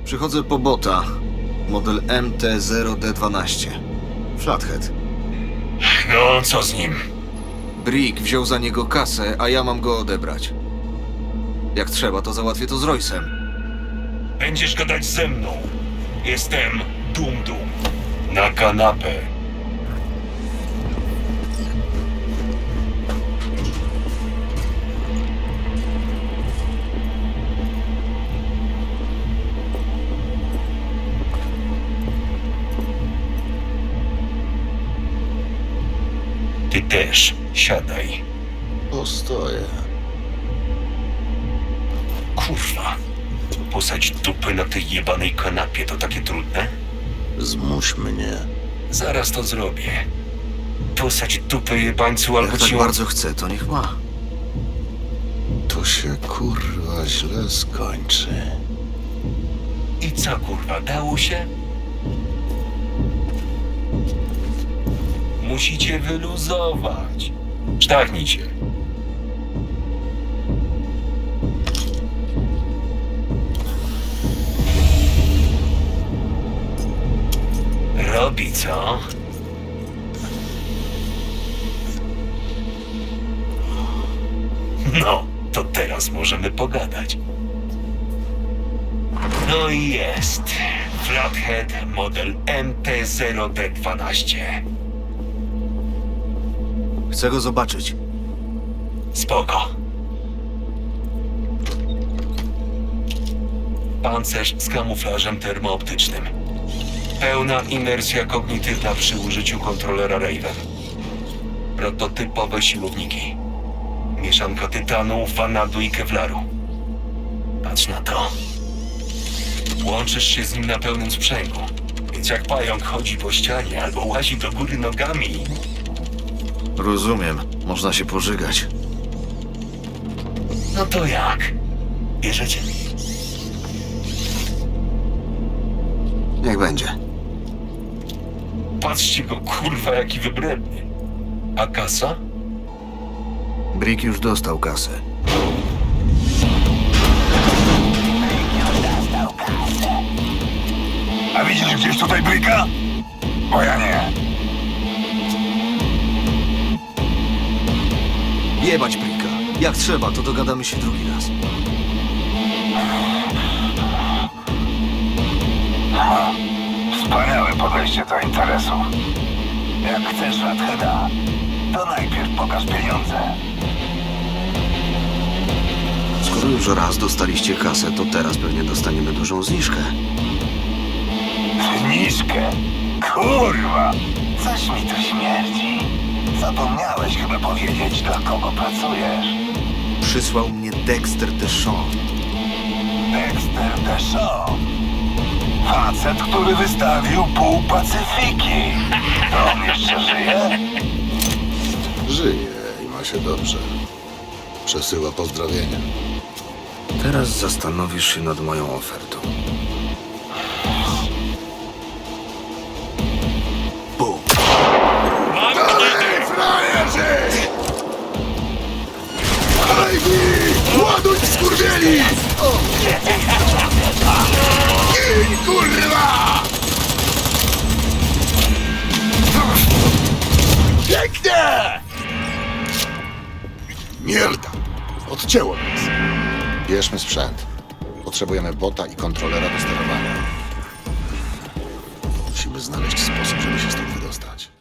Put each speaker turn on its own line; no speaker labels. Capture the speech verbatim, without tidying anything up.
Przychodzę po bota. Model M T zero D dwanaście. Flathead.
No, co z nim?
Brick wziął za niego kasę, a ja mam go odebrać. Jak trzeba, to załatwię to z Roysem.
Będziesz gadać ze mną. Jestem Dum Dum. Na kanapę. Ty też siadaj.
Postoję.
Kurwa. Posadź dupę na tej jebanej kanapie to takie trudne?
Zmuś mnie.
Zaraz to zrobię. Posadź dupę jebańcu albo
Jak tak
ci...
bardzo chce, to niech ma.
To się kurwa źle skończy.
I co kurwa, dało się? Musicie wyluzować. Sztachnijcie. Robi co? No, to teraz możemy pogadać. No i jest. Flathead model M T zero D dwanaście.
Chcę go zobaczyć.
Spoko. Pancerz z kamuflażem termooptycznym. Pełna imersja kognitywna przy użyciu kontrolera Raven. Prototypowe siłowniki. Mieszanka tytanu, vanadu i kevlaru. Patrz na to. Łączysz się z nim na pełnym sprzęgu. Więc jak pająk chodzi po ścianie albo łazi do góry nogami,
Rozumiem. Można się pożygać.
no to jak? Bierzecie?
Niech będzie.
Patrzcie go, kurwa, jaki wybredny. A kasa?
Brick już dostał kasę.
A widzisz gdzieś tutaj Bricka? Bo ja nie.
Jebać Bricka. Jak trzeba, to dogadamy się drugi raz.
Wspaniałe podejście do interesu. Jak chcesz Flatheada, to najpierw pokaż pieniądze.
Skoro już raz dostaliście kasę, to teraz pewnie dostaniemy dużą zniżkę.
Zniżkę? Kurwa! Coś mi tu śmierdzi. Zapomniałeś chyba powiedzieć, dla kogo pracujesz.
Przysłał mnie Dexter Deshawn.
Dexter Deshawn. Facet, który wystawił pół Pacyfiki. To on jeszcze żyje?
Żyje i ma się dobrze. Przesyła pozdrowienia.
Teraz zastanowisz się nad moją ofertą. Bum.
Frajerzy! Alejni! Ładuj, skurwieli! Gin, kurwa! Pięknie! Mierda! Odcięło nas. Bierzmy sprzęt. Potrzebujemy bota i kontrolera do sterowania. Musimy znaleźć sposób, żeby się stąd wydostać.